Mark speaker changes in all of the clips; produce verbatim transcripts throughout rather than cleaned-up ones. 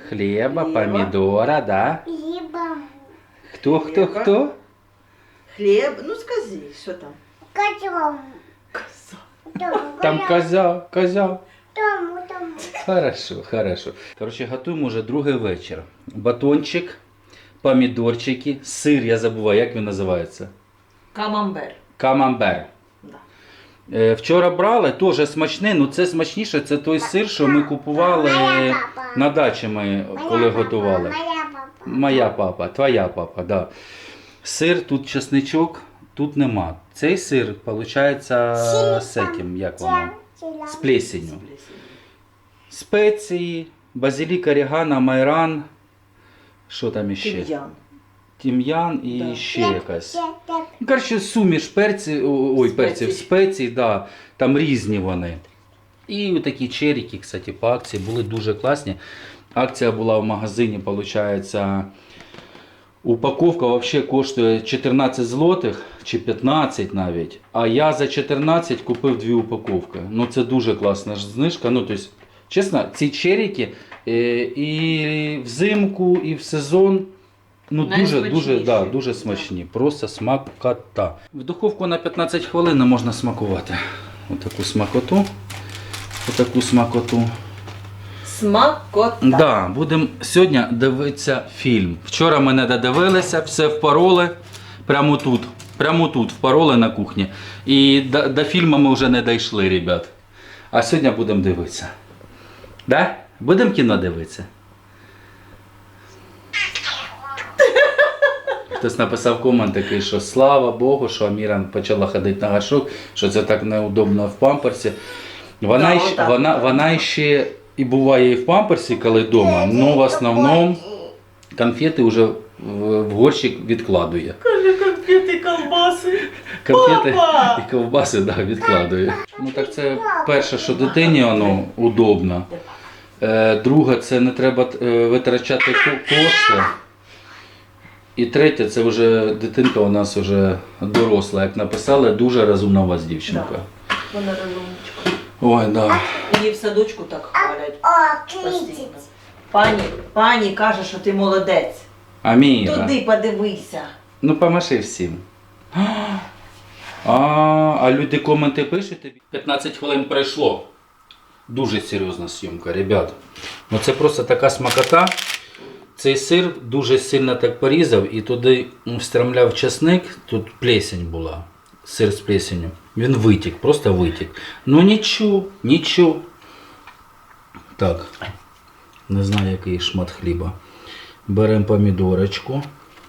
Speaker 1: Хлеба,
Speaker 2: Хлеба.
Speaker 1: помидора, да?
Speaker 3: Хліба.
Speaker 1: Кто, кто,
Speaker 2: Хлеба.
Speaker 1: кто?
Speaker 2: Хліб, ну скажи, що там?
Speaker 3: Котом.
Speaker 2: Коза.
Speaker 1: Там коза, коза.
Speaker 3: Тому, тому.
Speaker 1: Хорошо, хорошо. Короче, готуємо вже другий вечір. Батончик, помідорчики, сир, я забуваю, як він називається?
Speaker 2: Камамбер.
Speaker 1: Камамбер.
Speaker 2: Да.
Speaker 1: Е, Вчора брали, теж смачний, ну це смачніше, це той сир, що ми купували
Speaker 3: Моя папа.
Speaker 1: на дачі ми, коли
Speaker 3: Моя папа,
Speaker 1: готували.
Speaker 3: Моя папа.
Speaker 1: Моя папа, твоя папа, да. Сир, тут чесничок, тут нема. Цей сир, виходить, з цим, як воно? З плесенью. Спеції, базилік, орегано, майран, що там іще?
Speaker 2: Тим'ян.
Speaker 1: Тім'ян і
Speaker 2: Да.
Speaker 1: ще якась. Ну, коротше, суміш перці, ой, перців,
Speaker 2: Спецій.
Speaker 1: спецій, да, там різні вони. І такі черіки, кстати, по акції були дуже класні. Акція була в магазині, виходить, упаковка взагалі коштує чотирнадцять злотих, чи п'ятнадцять навіть. А я за чотирнадцять купив дві упаковки. Ну це дуже класна ж знижка. Ну, тобто, чесно, ці черіки е, і взимку, і в сезон. Ну дуже, дуже, да, дуже смачні, просто смакота. В духовку на п'ятнадцять хвилин можна смакувати. Отаку смакоту. Отаку смакоту.
Speaker 2: Смакота.
Speaker 1: Да, будемо сьогодні дивитися фільм. Вчора ми не додивилися, все впороли. Прямо тут. Прямо тут впороли на кухні. І до, до фільму ми вже не дійшли, ребят. А сьогодні будемо дивитися. Да? Будемо кіно дивитися? Хтось написав комент такий, що слава Богу, що Аміра почала ходити на горшок, що це так неудобно в памперсі. Вона,
Speaker 2: Да,
Speaker 1: ще,
Speaker 2: отак.
Speaker 1: вона, вона ще і буває і в памперсі, коли вдома, але в основному конфети вже в, в горщик відкладує.
Speaker 2: Каже, конфети, колбаси.
Speaker 1: Конфети
Speaker 2: Папа!
Speaker 1: і ковбаси да, відкладує. Ну так це перше, що дитині воно удобно. Е, друге, це не треба е, витрачати ко- кошти. І третє, це вже дитинка у нас вже доросла, як написали, дуже розумна у вас дівчинка.
Speaker 2: Да. Вона розумничка.
Speaker 1: Ой, да.
Speaker 2: Її в садочку так хвалять.
Speaker 3: О,
Speaker 2: Постійно.
Speaker 3: критить.
Speaker 2: Пані, пані каже, що ти молодець.
Speaker 1: Аміра.
Speaker 2: Туди подивися.
Speaker 1: Ну помаши всім. А, а люди коменти пишуть тобі? п'ятнадцять хвилин пройшло. Дуже серйозна зйомка, ребят. Ну це просто така смакота. Цей сир дуже сильно так порізав і туди встромляв чесник, тут плесень була, сир з плесенью. Він витік, просто витік. Ну нічого, нічого. Так, не знаю який шмат хліба. Беремо помідорочку.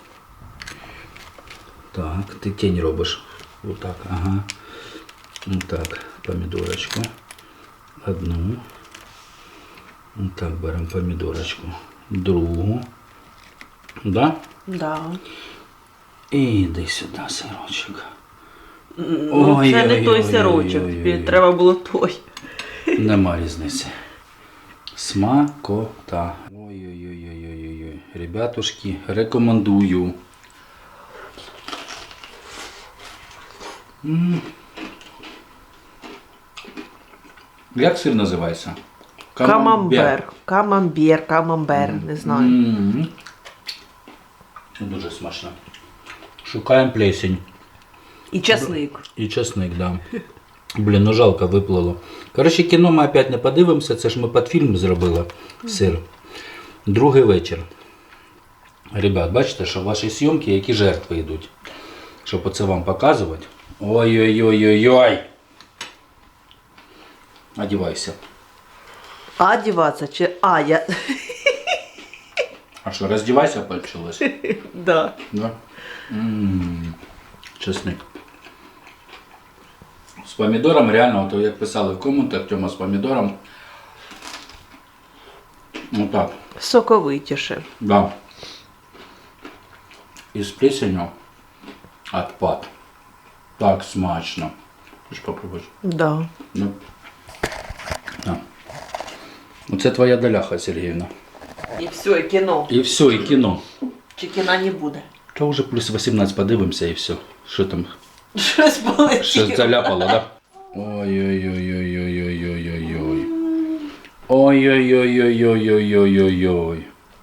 Speaker 1: Так, ти тінь робиш. Отак, ага. Отак, помідорочку. Одну. Отак беремо помідорочку. Другу. Да?
Speaker 2: Да.
Speaker 1: І йди сюди, сирочок.
Speaker 2: Ну,
Speaker 1: Ой,
Speaker 2: це
Speaker 1: ой,
Speaker 2: не той
Speaker 1: ой,
Speaker 2: сирочок,
Speaker 1: ой,
Speaker 2: тобі
Speaker 1: ой.
Speaker 2: треба було той.
Speaker 1: Нема різниці. Смакота. Ой-ой-ой-ой-ой-ой. Ребятушки, рекомендую. М. Як сир називається?
Speaker 2: Камамбер. Камамбер, камамбер, не знаю.
Speaker 1: М. Дуже смачно. Шукаємо плесень.
Speaker 2: І часник.
Speaker 1: І чесник, да. Блін, ну жалко виплило. Коротше, кіно ми опять не подивимося, це ж ми під фільм зробили сир. Другий вечір. Ребят, бачите, що в ваші зйомки які жертви йдуть. Щоб оце вам показувати. Ой-ой-ой-ой-ой. Одівайся.
Speaker 2: А одіватися чи... А, я...
Speaker 1: А що, роздівайся почалось?
Speaker 2: Да.
Speaker 1: Да? М-м-м. Чесник. З помідором реально, то як писали в коментах, Тьома з помідором. Ну так,
Speaker 2: Соковитіше.
Speaker 1: да. І з плесенью отпад. Так смачно. Хочеш попробуєш?
Speaker 2: Да.
Speaker 1: Ну. Да. Оце твоя доляха, Сергіївна.
Speaker 2: І все, і кіно.
Speaker 1: І все, і кіно.
Speaker 2: Чи кіна не буде?
Speaker 1: То вже плюс вісімнадцять подивимося і все. Що там?
Speaker 2: Щось полетіло.
Speaker 1: Щось заляпало, да? Ой-ой-ой-ой-ой-ой-ой-ой. Ой-ой-ой-ой-ой-ой-ой-ой.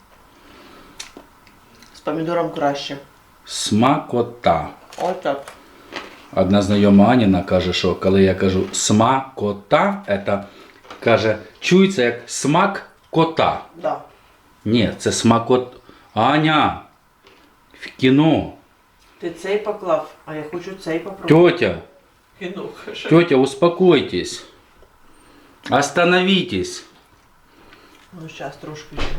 Speaker 2: З помідором краще.
Speaker 1: Смакота.
Speaker 2: Отак.
Speaker 1: Одна знайома Аніна каже, що коли я кажу смакота, це каже, чується як смак кота.
Speaker 2: Да.
Speaker 1: Ні, це смакот. Аня, в кіно.
Speaker 2: Ти цей поклав, а я хочу цей попробувати.
Speaker 1: Тетя,
Speaker 2: Кіно, каже.
Speaker 1: тетя, успокойтесь. Остановитесь.
Speaker 2: Ну, зараз трошки ще.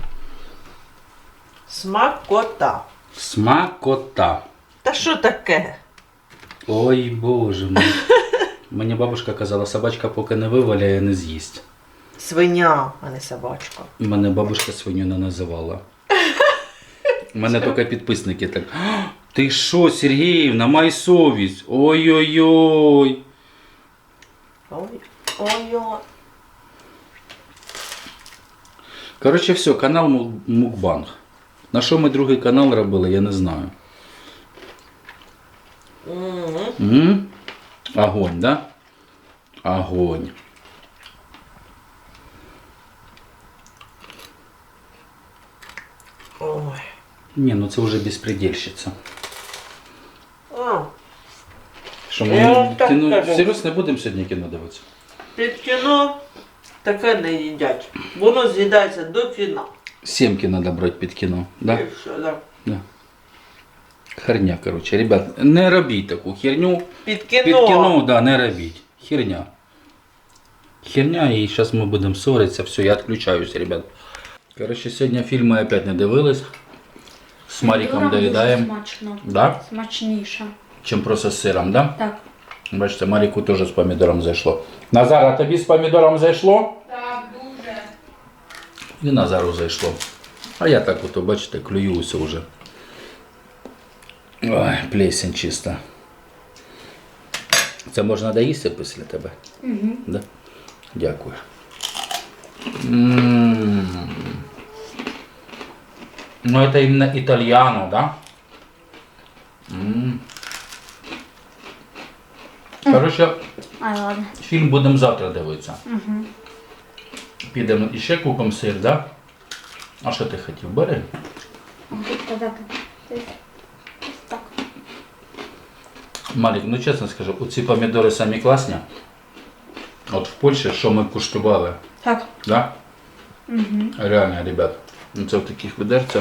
Speaker 2: Смакота.
Speaker 1: Смакота.
Speaker 2: Та що таке?
Speaker 1: Ой, боже мій. Мені бабушка казала, собачка поки не виваляє, не з'їсть.
Speaker 2: Свиня, а не собачка.
Speaker 1: Мене бабушка свиню не називала. Мене тільки підписники так. «А, ти що, Сергіївна, май совість. Ой-ой-ой.
Speaker 2: Ой, ой-ой.
Speaker 1: Коротше, все, канал Му- Мукбанг. На що ми другий канал робили, я не знаю.
Speaker 2: М.
Speaker 1: М? Огонь, да? Огонь.
Speaker 2: Ой.
Speaker 1: Ні, ну це вже безпредельщиця.
Speaker 2: А,
Speaker 1: Що
Speaker 2: Я
Speaker 1: ми
Speaker 2: вам так
Speaker 1: кіно...
Speaker 2: кажу.
Speaker 1: Серйозно, не будемо сьогодні кіно дивитися?
Speaker 2: під кіно таке не їдять. Воно з'їдається до кіна.
Speaker 1: Сімки треба брати під кіно, да?
Speaker 2: І все, да.
Speaker 1: Да. Херня, коротше, ребят, не робіть таку херню.
Speaker 2: Під кіно.
Speaker 1: Під кіно, да, не робіть. Херня. Херня, і зараз ми будемо ссоритися. Все, я відключаюся, ребят. Коротше, сьогодні фільми опять не дивились. З Маріком
Speaker 4: Дуже
Speaker 1: доїдаємо.
Speaker 4: смачно.
Speaker 1: Да?
Speaker 4: Смачніше.
Speaker 1: Чим просто з сиром, да?
Speaker 4: Так.
Speaker 1: Бачите, Маріку теж з помідором зайшло. Назар, а тобі з помідором зайшло?
Speaker 4: Так, дуже.
Speaker 1: І Назару зайшло. А я так ото, бачите, клююся вже. Ой, плесень чиста. Це можна доїсти після тебе?
Speaker 4: Угу.
Speaker 1: Да? Дякую. М. Ну, это именно итальяно, да? М. Короче,
Speaker 4: Ай, ладно.
Speaker 1: фільм будемо завтра дивитися.
Speaker 4: Угу.
Speaker 1: Підемо і ще купимо сир, да? А що ти хотів? Бери.
Speaker 4: Казати. Ось так.
Speaker 1: Малік, ну чесно скажу, оці помідори самі класні. От в Польщі, що ми куштували,
Speaker 4: Так.
Speaker 1: да?
Speaker 4: Угу.
Speaker 1: Реально, ребят. Ну, це в таких відерцях.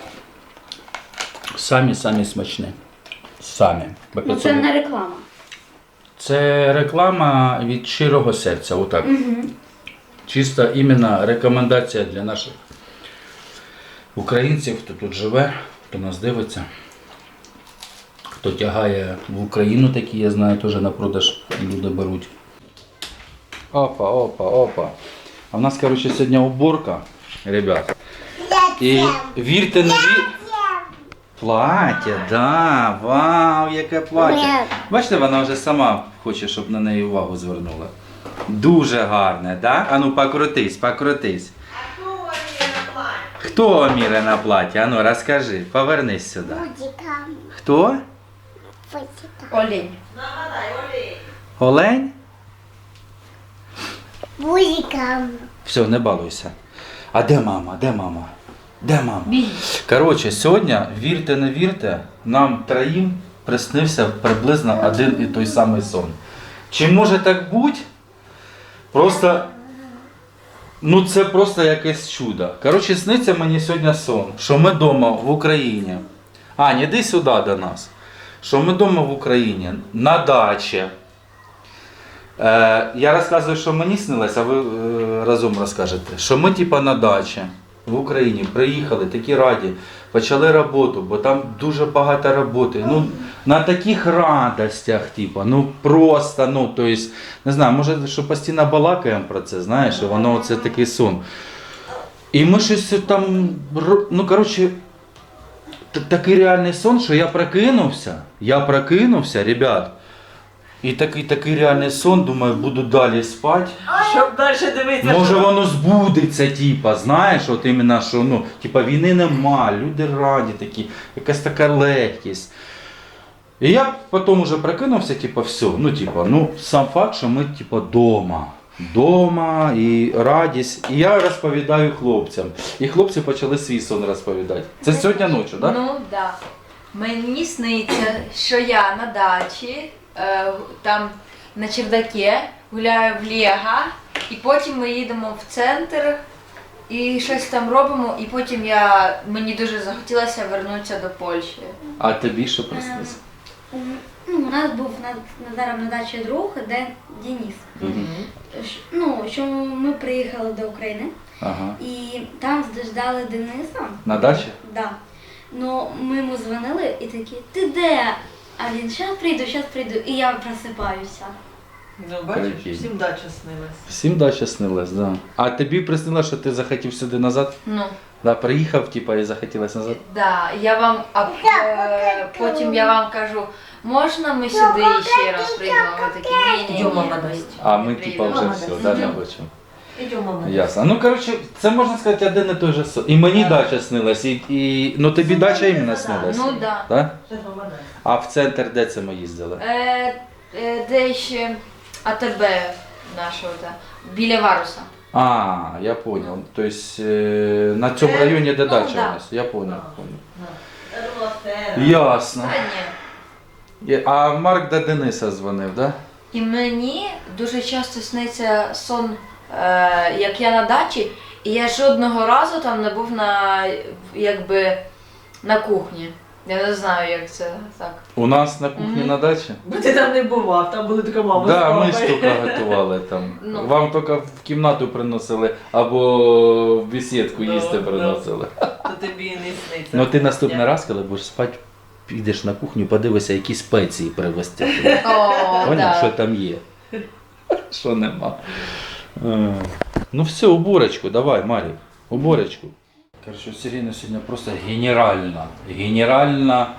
Speaker 1: Самі-самі смачні. Самі. Бо
Speaker 4: Ну це не реклама.
Speaker 1: Це реклама від щирого серця. Отак.
Speaker 4: Угу.
Speaker 1: Чисто іменно рекомендація для наших українців, хто тут живе, хто нас дивиться. Хто тягає в Україну, такі, я знаю, теж на продаж люди беруть. Опа, опа, опа. А в нас, коротше, сьогодні уборка, ребят. І вірте, не вірте. Плаття, да, вау, яке плаття. Бачите, вона вже сама хоче, щоб на неї увагу звернула. Дуже гарне, да? Ану, покрутись, покрутись. Хто міре на платі? Ану, розкажи, повернись сюди.
Speaker 3: Будиком.
Speaker 1: Хто?
Speaker 3: Будиком.
Speaker 4: Олень.
Speaker 1: Олень?
Speaker 3: Будиком.
Speaker 1: Все, не балуйся. А де мама? Де мама? Де мама?
Speaker 4: Біг.
Speaker 1: Коротше, сьогодні, вірте, не вірте, нам троїм приснився приблизно один і той самий сон. Чи може так бути? Просто, ну це просто якесь чудо. Коротше, сниться мені сьогодні сон, що ми вдома в Україні. Ань, іди сюди до нас. Що ми вдома в Україні, на дачі. Е, я розказую, що мені снилось, а ви е, разом розкажете. Що ми типа на дачі в Україні приїхали, такі раді, почали роботу, бо там дуже багато роботи. Ну, на таких радостях, типа, ну просто, ну, то есть, не знаю, може, що постійно балакаємо про це, знаєш, і воно це такий сон. І ми щось там, ро- ну, коротше, т- такий реальний сон, що я прокинувся, я прокинувся, ребят, і такий, такий реальний сон, думаю, буду далі спати.
Speaker 2: Щоб далі дивитися.
Speaker 1: Може
Speaker 2: що-
Speaker 1: воно збудеться, типа, знаєш, от іменно, що ну, типа, війни нема, люди раді такі, якась така легкість. І я потім вже прокинувся, типа, все, ну, типа, ну, сам факт, що ми, типа, дома. дома, і радість. І я розповідаю хлопцям. І хлопці почали свій сон розповідати. Це сьогодні ночі, так? Да?
Speaker 5: Ну так. Да. Мені сниться, що я на дачі, е, там на чердакі, гуляю в Лего, і потім ми їдемо в центр і щось там робимо, і потім я, мені дуже захотілося повернутися до Польщі.
Speaker 1: А тобі що приснилося?
Speaker 4: Ну, у нас був на, Назаром на дачі друг, де Денис. Ш- Ну, що ми приїхали до України
Speaker 1: Ага.
Speaker 4: і там ждали Дениса.
Speaker 1: На дачі?
Speaker 4: Да. Ну, ми йому дзвонили і такі, ти де? А він, щас прийду, щас прийду. І я просипаюся.
Speaker 2: Ну, бачиш,
Speaker 1: Прикинь.
Speaker 2: всім дача снилась.
Speaker 1: Всім дача снилась, да. А тобі приснилося, що ти захотів сюди назад?
Speaker 5: Ну,
Speaker 1: Да, приїхав, типа, і захотілося назад?
Speaker 5: да, я вам, а е, потім я вам кажу, можна ми сюди ще раз прийдемо? Ви такі, ні, ні, ні,
Speaker 2: Йдемо, мама,
Speaker 5: ми
Speaker 1: А ми,
Speaker 5: не
Speaker 1: типа,
Speaker 5: приїдемо».
Speaker 1: вже все, да, не хочемо.
Speaker 2: Ідемо, мама.
Speaker 1: Ясно. Ну, коротше, це можна сказати один і той же сон. І мені дача снилась, і, і... ну тобі дача іменно снилась.
Speaker 5: Ну, да.
Speaker 1: Да?
Speaker 2: Це мама.
Speaker 1: А в центр де це ми їздили?
Speaker 5: Е, е, де ще АТБ нашого, да, біля Варуса.
Speaker 1: А, я понял. То есть е, на цьому
Speaker 5: Е,
Speaker 1: районі, де
Speaker 5: ну,
Speaker 1: дача
Speaker 5: да.
Speaker 1: у нас. Я понял. понял.
Speaker 2: Я думала, фера.
Speaker 1: Ясно.
Speaker 5: Та ні.
Speaker 1: Є- А Марк до Дениса дзвонив, да?
Speaker 5: І мені дуже часто сниться сон, е, як я на дачі, і я жодного разу там не був на, якби, на кухні. Я не знаю, як це так.
Speaker 1: У нас на кухні
Speaker 5: Мгм.
Speaker 1: на дачі?
Speaker 2: Бо ти там не бував, там були тільки мама з
Speaker 1: Да, ми
Speaker 2: папою.
Speaker 1: стільки готували там.
Speaker 5: Ну.
Speaker 1: Вам тільки в кімнату приносили або в бесідку
Speaker 2: Да,
Speaker 1: їсти
Speaker 2: да.
Speaker 1: приносили.
Speaker 2: То тобі і не сниться.
Speaker 1: Ну ти наступний
Speaker 2: Я-
Speaker 1: раз, коли будеш спати, підеш на кухню, подивися, які спеції привезти.
Speaker 5: О,
Speaker 1: Поняв, що
Speaker 5: да.
Speaker 1: там є? Що нема. Е, Ну все, уборочку, давай, Марік, уборочку. Короче, у Сиріни сьогодні просто генеральна, генеральна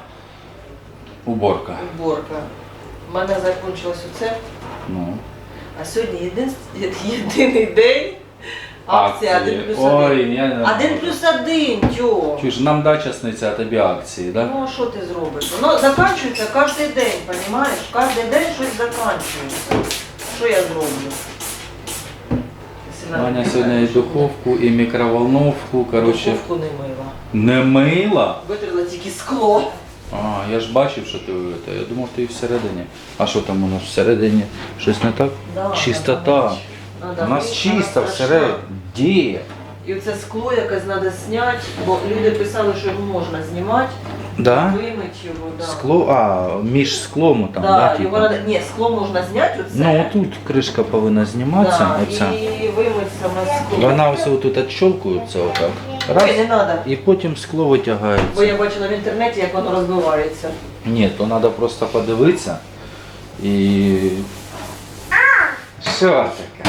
Speaker 1: уборка.
Speaker 2: Уборка. У мене закінчилось оце,
Speaker 1: Ну.
Speaker 2: а сьогодні єдин, єдиний день. Акція один плюс один.
Speaker 1: Ой, я не
Speaker 2: Один
Speaker 1: можу.
Speaker 2: плюс один, тьо.
Speaker 1: Чуєш, нам дача сниться, а тобі акції, так? Да?
Speaker 2: Ну, а що ти зробиш? Воно закінчується кожен день, розумієш? Кожен день щось закінчується. Що я зроблю? Якщо
Speaker 1: Ваня
Speaker 2: навіть
Speaker 1: сьогодні і
Speaker 2: не знаєш,
Speaker 1: духовку, і мікроволновку, коротше.
Speaker 2: Духовку не мила.
Speaker 1: Не мила?
Speaker 2: Витерла тільки скло.
Speaker 1: А, я ж бачив, що ти вивita. Я думав, ти і всередині. А що там у нас всередині? Щось не так?
Speaker 2: Да,
Speaker 1: Чистота.
Speaker 2: надо Надо
Speaker 1: У нас
Speaker 2: мити,
Speaker 1: чисто
Speaker 2: вона
Speaker 1: всередині.
Speaker 2: страшна.
Speaker 1: Де?
Speaker 2: І оце скло якесь треба зняти, бо люди писали, що його можна знімати,
Speaker 1: Да?
Speaker 2: вимити його. Да.
Speaker 1: Скло, а, між склом там,
Speaker 2: Да,
Speaker 1: да,
Speaker 2: його
Speaker 1: типу?
Speaker 2: надо... Ні, скло можна зняти оце.
Speaker 1: Ну, тут кришка повинна зніматися,
Speaker 2: да,
Speaker 1: оця.
Speaker 2: і вимити саме скло.
Speaker 1: Вона ось тут відщолкується отак.
Speaker 2: Ой,
Speaker 1: Раз,
Speaker 2: не треба.
Speaker 1: і потім скло витягається.
Speaker 2: Бо я бачила в інтернеті, як воно розбивається.
Speaker 1: Ні, то треба просто подивитися і. Що таке?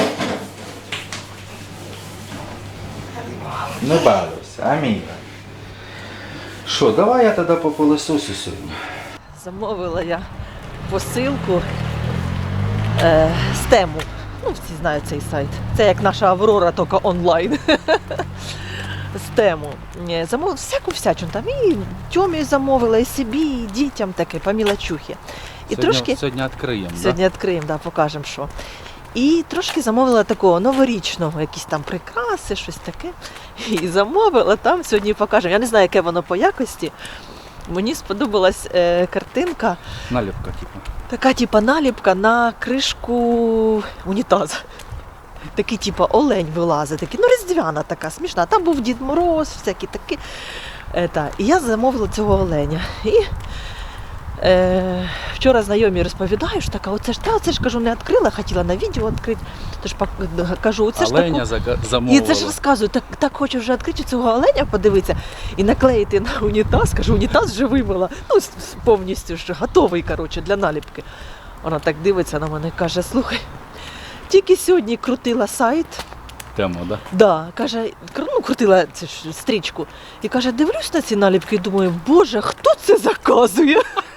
Speaker 1: Не балуйся, Аміра. Що, давай я тоді по пилососу сьогодні.
Speaker 2: Замовила я посилку е, з тему. Ну, всі знають цей сайт. Це як наша Аврора, тільки онлайн. З тему. Е, Замовила всяку всячину там. І Тьомі замовила, і собі, і дітям таке, по мілочухі. І трошки...
Speaker 1: Сьогодні відкриємо,
Speaker 2: Сьогодні відкриємо, да, покажемо, що. І трошки замовила такого новорічного, якісь там прикраси, щось таке. І замовила там, сьогодні покажемо. Я не знаю, яке воно по якості. Мені сподобалась е, картинка,
Speaker 1: Наліпка, типу.
Speaker 2: така типа наліпка на кришку унітаза. Такий, типа, олень вилазить, такий, ну різдвяна така, смішна. Там був Дід Мороз, всякі такі. Е, та. І я замовила цього оленя. І Е, вчора знайомі розповідаю, що така, оце ж та, оце ж кажу, не відкрила, хотіла на відео відкрити. Тож пок- кажу, оце ж
Speaker 1: Оленя
Speaker 2: таку...
Speaker 1: зака-
Speaker 2: І
Speaker 1: замовила.
Speaker 2: це ж розказую, так, так хочу вже відкрити цього оленя, подивитися і наклеїти на унітаз. Кажу, унітаз вже вимила, ну с- с- повністю ж готовий, коротше, для наліпки. Вона так дивиться на мене і каже, слухай, тільки сьогодні крутила сайт.
Speaker 1: Тема, да?
Speaker 2: Да, каже, кру- ну, крутила цю ж стрічку. І каже, дивлюсь на ці наліпки і думаю, боже, хто це заказує?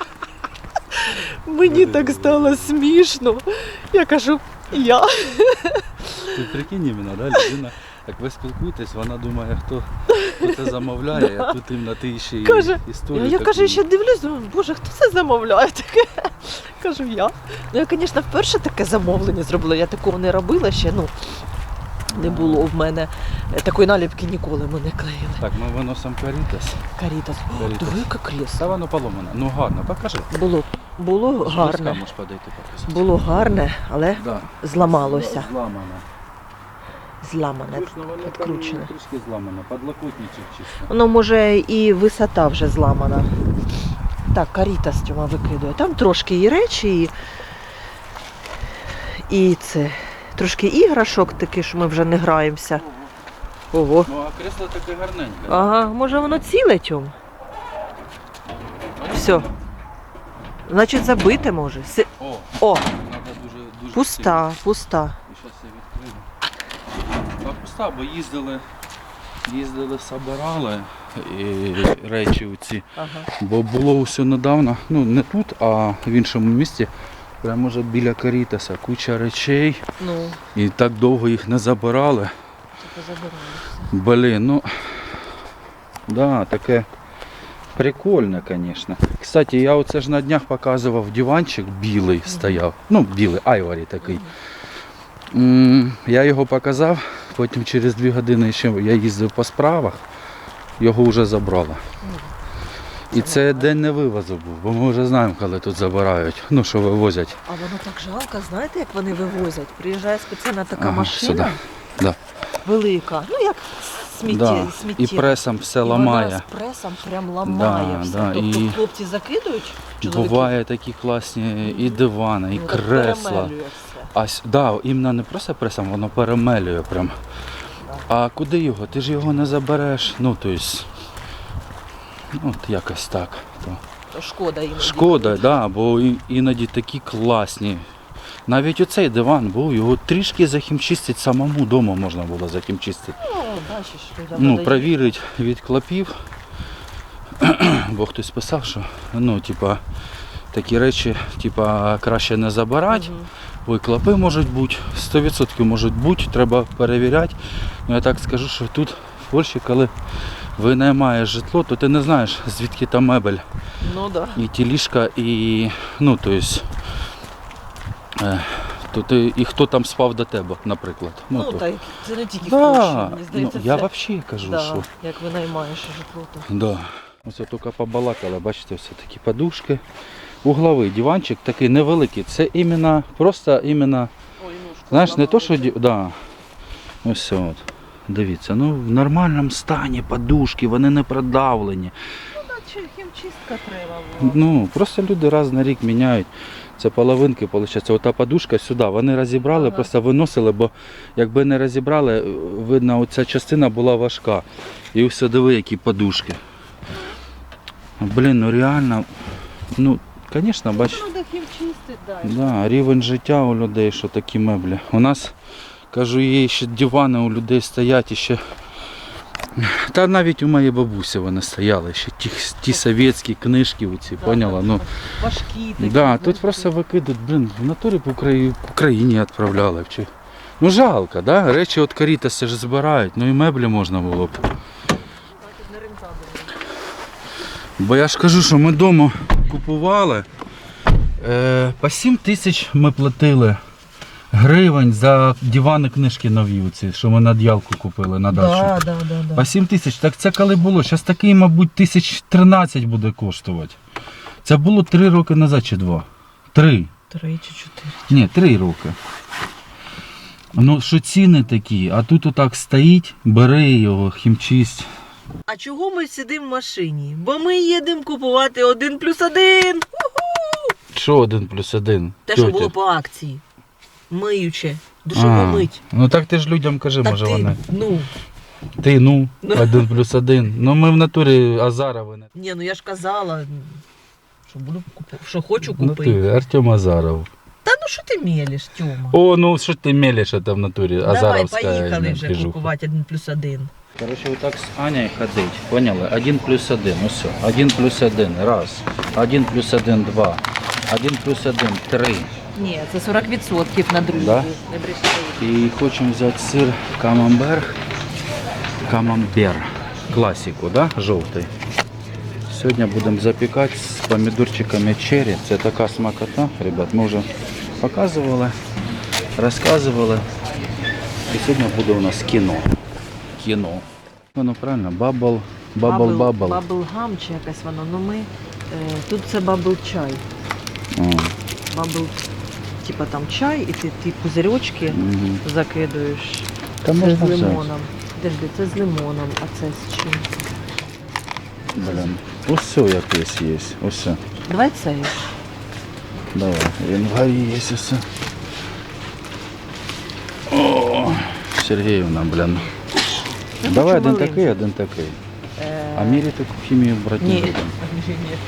Speaker 2: Мені так стало смішно. Я кажу, я.
Speaker 1: Ти прикинь іменно, да, людина, як ви спілкуєтесь, вона думає, хто, хто це замовляє, а тут іменно ти ще й
Speaker 2: Каже,
Speaker 1: історію
Speaker 2: Я, я
Speaker 1: таку.
Speaker 2: кажу, ще дивлюсь, думаю, боже, хто це замовляє таке? Кажу, я. Ну, я, звісно, вперше таке замовлення зробила. Я такого не робила ще, ну, не було в мене. Такої наліпки ніколи ми не клеїли.
Speaker 1: Так, ми виносимо карітас.
Speaker 2: Карітас. О,
Speaker 1: Карітас.
Speaker 2: диви, яке кресло.
Speaker 1: Та воно поломане. Ну гарно, покажи.
Speaker 2: Було, було
Speaker 1: Близько
Speaker 2: гарне.
Speaker 1: можеш подойти показати.
Speaker 2: Було гарне, але
Speaker 1: Да.
Speaker 2: зламалося.
Speaker 1: Зламане.
Speaker 2: Зламане,
Speaker 1: Слушно, воно там
Speaker 2: підкручене.
Speaker 1: трішки зламане. Подлокотничок чисто.
Speaker 2: Воно може і висота вже зламана. Так, карітас Тьома викидує. Там трошки і речі, і, і це. Трошки іграшок такі, що ми вже не граємося. Ого.
Speaker 1: Ну, а кресло таке гарненьке.
Speaker 2: Ага, може воно ціле, Тьом? Все. Значить забите може. Си...
Speaker 1: О,
Speaker 2: О,
Speaker 1: треба дуже, дуже
Speaker 2: пуста, пуста.
Speaker 1: І зараз я відкрию. Та пуста, бо їздили, їздили, собирали і речі оці.
Speaker 2: Ага.
Speaker 1: Бо було все недавно, ну не тут, а в іншому місті, прямо вже біля Карітаса, куча речей.
Speaker 2: Ну,
Speaker 1: І так довго їх не забирали.
Speaker 2: це позабиралося.
Speaker 1: Блін, ну, да, таке прикольне, звісно. Кстати, я оце ж на днях показував диванчик, білий стояв. Ну, білий, айварі такий. М, Я його показав, потім через дві години ще я їздив по справах, його вже забрали. І це день не вивозу був, бо ми вже знаємо, коли тут забирають, ну що вивозять.
Speaker 2: А воно так жалко, знаєте, як вони вивозять? Приїжджає спеціальна така
Speaker 1: Ага,
Speaker 2: машина
Speaker 1: сюди. Да.
Speaker 2: велика, ну як сміття,
Speaker 1: Да.
Speaker 2: сміття.
Speaker 1: І пресом все
Speaker 2: І
Speaker 1: ламає.
Speaker 2: вона з пресом прям ламає
Speaker 1: Да,
Speaker 2: все.
Speaker 1: да,
Speaker 2: Тобто
Speaker 1: і
Speaker 2: хлопці закидують, чоловіки,
Speaker 1: Буває такі класні і дивани, і
Speaker 2: ну, так
Speaker 1: кресла.
Speaker 2: перемелює все.
Speaker 1: А с- да, іменно не просто пресом, воно перемелює прям. А куди його? Ти ж його не забереш. Ну, тобто, ну, от якось так. То.
Speaker 2: То шкода їм.
Speaker 1: Шкода, да, бо і- іноді такі класні. Навіть оцей диван був, його трішки захімчистити, самому вдома можна було захімчистити.
Speaker 2: Ну, бачиш, людям
Speaker 1: Ну,
Speaker 2: надає.
Speaker 1: провірить від клопів, бо хтось писав, що ну, типа, такі речі типа, краще не забирати,
Speaker 2: Мгм.
Speaker 1: бо і клопи можуть бути, сто відсотків можуть бути, треба перевіряти. Ну, я так скажу, що тут в Польщі, коли винаймаєш житло, то ти не знаєш, звідки там мебель.
Speaker 2: Ну да.
Speaker 1: І ті ліжка, і, ну, то есть, е, то ти, і хто там спав до тебе, наприклад.
Speaker 2: Ну,
Speaker 1: то.
Speaker 2: так, це не тільки в
Speaker 1: Да,
Speaker 2: Польщі, мені
Speaker 1: ну,
Speaker 2: здається,
Speaker 1: я
Speaker 2: це,
Speaker 1: взагалі кажу,
Speaker 2: да,
Speaker 1: що.
Speaker 2: як ви наймаєш житло, то.
Speaker 1: Да. Ось тільки побалакали, бачите, все такі подушки. Угловий диванчик такий невеликий. Це іменно, просто іменно,
Speaker 2: Ой, ножку
Speaker 1: знаєш, не то, що
Speaker 2: зламали.
Speaker 1: ді- да. Ось все от. Дивіться, ну в нормальному стані подушки, вони не продавлені.
Speaker 2: Чи хімчистка треба була?
Speaker 1: Ну, просто люди раз на рік міняють. Це половинки, виходить. Ота подушка сюди. Вони розібрали,
Speaker 2: Ага.
Speaker 1: просто виносили, бо якби не розібрали, видно, оця частина була важка. І все, диви, які подушки. Блін, ну реально, ну, звісно, бач,
Speaker 2: Треба хімчистити, да.
Speaker 1: да, рівень життя у людей, що такі меблі. У нас, кажу, є ще дивани у людей стоять, і ще. Та навіть у моєї бабусі вони стояли, ще ті, ті совєтські книжки, оці,
Speaker 2: Да,
Speaker 1: поняла?
Speaker 2: да,
Speaker 1: Ну,
Speaker 2: важкі такі.
Speaker 1: да,
Speaker 2: знаєш,
Speaker 1: тут просто викидуть, блин, в натурі по Украї- по Україні відправляли. б Чи... Ну жалко, да? Речі від Карітаса ж збирають, ну і меблі можна було б.
Speaker 2: не рентабельно.
Speaker 1: Бо я ж кажу, що ми вдома купували, е, по сім тисяч ми платили гривень за дивани книжки нові, оці, що ми на д'ялку купили на дачу.
Speaker 2: Да, да, да, да.
Speaker 1: По сім тисяч, так це коли було? Зараз такий, мабуть, тисяч тринадцять буде коштувати. Це було три роки назад чи два? Три.
Speaker 2: Три чи чотири.
Speaker 1: Ні, три роки. Ну, що ціни такі, а тут отак стоїть, бери його, хімчисть.
Speaker 2: А чого ми сидимо в машині? Бо ми їдемо купувати один плюс один.
Speaker 1: Що один плюс один?
Speaker 2: Те, що
Speaker 1: Тьотя?
Speaker 2: було по акції. Миюче. Душова мить.
Speaker 1: Ну так ти ж людям кажи,
Speaker 2: Та
Speaker 1: може
Speaker 2: ти,
Speaker 1: вони.
Speaker 2: ну,
Speaker 1: Ти, ну, один плюс один. Ну ми в натурі Азарови. не-
Speaker 2: ні, ну я ж казала, що буду купу- що хочу
Speaker 1: Ну
Speaker 2: купити.
Speaker 1: ти, Артем Азаров.
Speaker 2: Та ну що ти мелиш, Тьома?
Speaker 1: О, ну що ти мелиш, це в натурі
Speaker 2: Давай,
Speaker 1: Азаровська
Speaker 2: поїхали вже
Speaker 1: движуха.
Speaker 2: купувати один плюс один.
Speaker 1: Короче, вот так с Аней ходить, поняли? Один плюс один, ну все. Один плюс один, раз. Один плюс один, два. Один плюс один, три.
Speaker 2: Ні, це сорок відсотків на друзі.
Speaker 1: Да?
Speaker 2: Не бреши.
Speaker 1: І хочемо взяти сир камамбер. Камамбер. Класику, да? Жовтий. Сьогодні будемо запікати з помідорчиками черрі. Це така смакота, ребят. Ми вже показували, розказували. І сьогодні буде у нас кіно. Кіно. Воно правильно, бабл, бабл, бабл.
Speaker 2: Бабл-гам чи якась воно. Ну ми, е, тут це бабл-чай. Бабл, типа там чай, і ти ті пузирьочки
Speaker 1: Мгм.
Speaker 2: закидуєш.
Speaker 1: Та
Speaker 2: Це
Speaker 1: можна
Speaker 2: з
Speaker 1: взяти.
Speaker 2: лимоном. Подожди, це з лимоном, а це з чим?
Speaker 1: Блін. Ось все якесь є. Ось все.
Speaker 2: Давай цей.
Speaker 1: Давай. Він в горі є все. О, Сергіївна, блін.
Speaker 2: Я
Speaker 1: Давай
Speaker 2: хочу
Speaker 1: один
Speaker 2: маленький.
Speaker 1: такий, один такий.
Speaker 2: Е,
Speaker 1: А мірі таку хімію брати не
Speaker 2: Ні.
Speaker 1: будемо.
Speaker 2: Ні.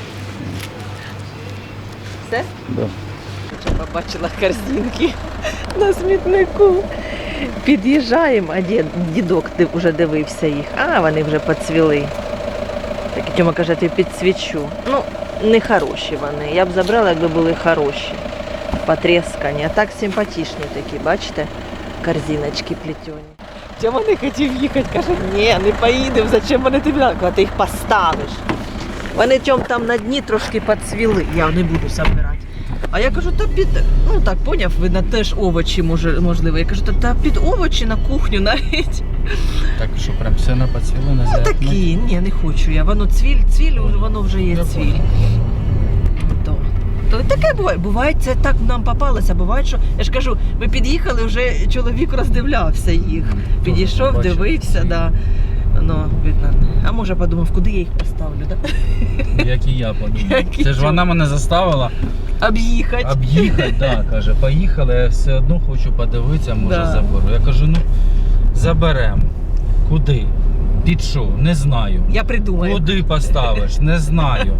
Speaker 2: Все?
Speaker 1: Да.
Speaker 2: Я побачила корзинки на смітнику. Під'їжджаємо, а дід, дідок див- вже дивився їх. А, вони вже поцвіли. Так і Тьома каже, ти підсвічу. Ну, не хороші вони. Я б забрала, якби були хороші. Потрескані. А так симпатичні такі, бачите? Корзиночки плетені. Тьома не хотів їхати, каже, ні, не поїдемо, зачем вони тобі надо, коли ти їх поставиш. Вони Тьом там на дні трошки поцвіли, я не буду забирати. А я кажу, та під, ну так, поняв, ви на теж овочі, може, можливо. Я кажу, та, та під овочі на кухню навіть.
Speaker 1: Так що прям все на поцвіло на
Speaker 2: Ну такі, ні, не хочу я. Воно цвіль, цвіль, воно вже є
Speaker 1: Я
Speaker 2: цвіль.
Speaker 1: понял.
Speaker 2: То, то таке буває. Буває, це так нам попалося. Буває, що я ж кажу, ми під'їхали, вже чоловік роздивлявся їх. Підійшов,
Speaker 1: Побачив.
Speaker 2: дивився, да. Ну, видно. А може подумав, куди я їх поставлю, да?
Speaker 1: Як і я подумав.
Speaker 2: Як і
Speaker 1: Це ж
Speaker 2: я.
Speaker 1: вона мене заставила
Speaker 2: Об'їхати.
Speaker 1: об'їхати, да, каже, поїхали, я все одно хочу подивитися, може
Speaker 2: Да.
Speaker 1: заберу. Я кажу, ну заберемо. Куди? Під що? Не знаю.
Speaker 2: Я придумаю.
Speaker 1: Куди поставиш? Не знаю.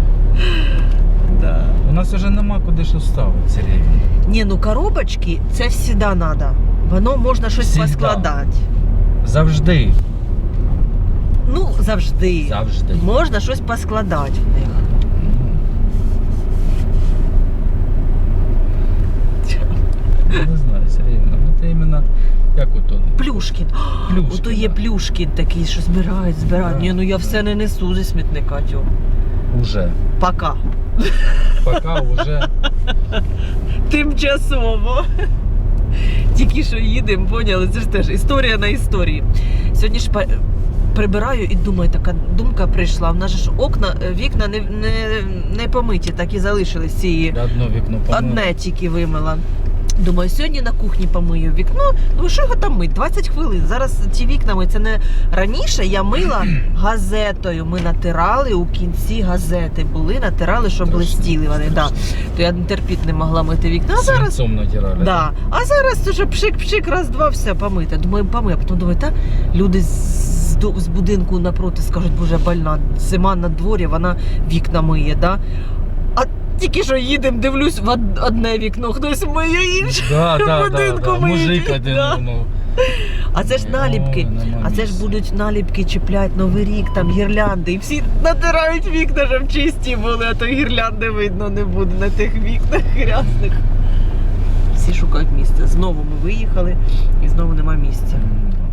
Speaker 2: Да.
Speaker 1: У нас вже нема куди що ставити, Сергій.
Speaker 2: Ні, ну коробочки, це завжди треба. Воно можна щось
Speaker 1: Всегда.
Speaker 2: поскладати.
Speaker 1: Завжди.
Speaker 2: Ну, завжди.
Speaker 1: Завжди.
Speaker 2: Можна щось поскладати в них.
Speaker 1: Я не знаю, Сергіївна, ну це іменно як ото.
Speaker 2: Плюшкін.
Speaker 1: Плюшкін,
Speaker 2: Ото є
Speaker 1: да.
Speaker 2: Плюшкін такий, що збирають, збирають.
Speaker 1: Да,
Speaker 2: Ні, ну я
Speaker 1: да.
Speaker 2: все не несу зі смітника, Тьом.
Speaker 1: Уже.
Speaker 2: Пока.
Speaker 1: Пока уже.
Speaker 2: Тимчасово. Тільки що їдемо, поняли, це ж теж історія на історії. Сьогодні ж па- прибираю і думаю, така думка прийшла. В нас же ж окна, вікна не, не, не помиті, так і залишились ці.
Speaker 1: Одно вікно помило.
Speaker 2: Одне тільки вимила. Думаю, сьогодні на кухні помию вікно. Ну що його там мить? двадцять хвилин. Зараз ті вікна ми, це не раніше я мила газетою. Ми натирали у кінці газети. Були, натирали, щоб
Speaker 1: Страшно,
Speaker 2: блистіли вони. Да. То я терпіти не могла мити вікна. А зараз
Speaker 1: Свинцом натирали.
Speaker 2: Да. А зараз уже пшик-пшик, раз-два, все помите. Думаю, помию. А потім думаю, та люди з, до- з будинку напроти скажуть, боже, больна, зима на дворі, вона вікна миє, да? А тільки що їдемо, дивлюсь, в од- одне вікно, хтось миє інше.
Speaker 1: Да, да, да,
Speaker 2: Будинку
Speaker 1: да.
Speaker 2: миють,
Speaker 1: Мужик один
Speaker 2: да.
Speaker 1: думав.
Speaker 2: А це ж наліпки.
Speaker 1: Ой, нема
Speaker 2: А це ж
Speaker 1: місця.
Speaker 2: будуть наліпки чіплять Новий рік, там гірлянди. І всі натирають вікна, щоб чисті були, а то гірлянди видно не буде на тих вікнах грязних. Всі шукають місце. Знову ми виїхали і знову нема місця.
Speaker 1: М,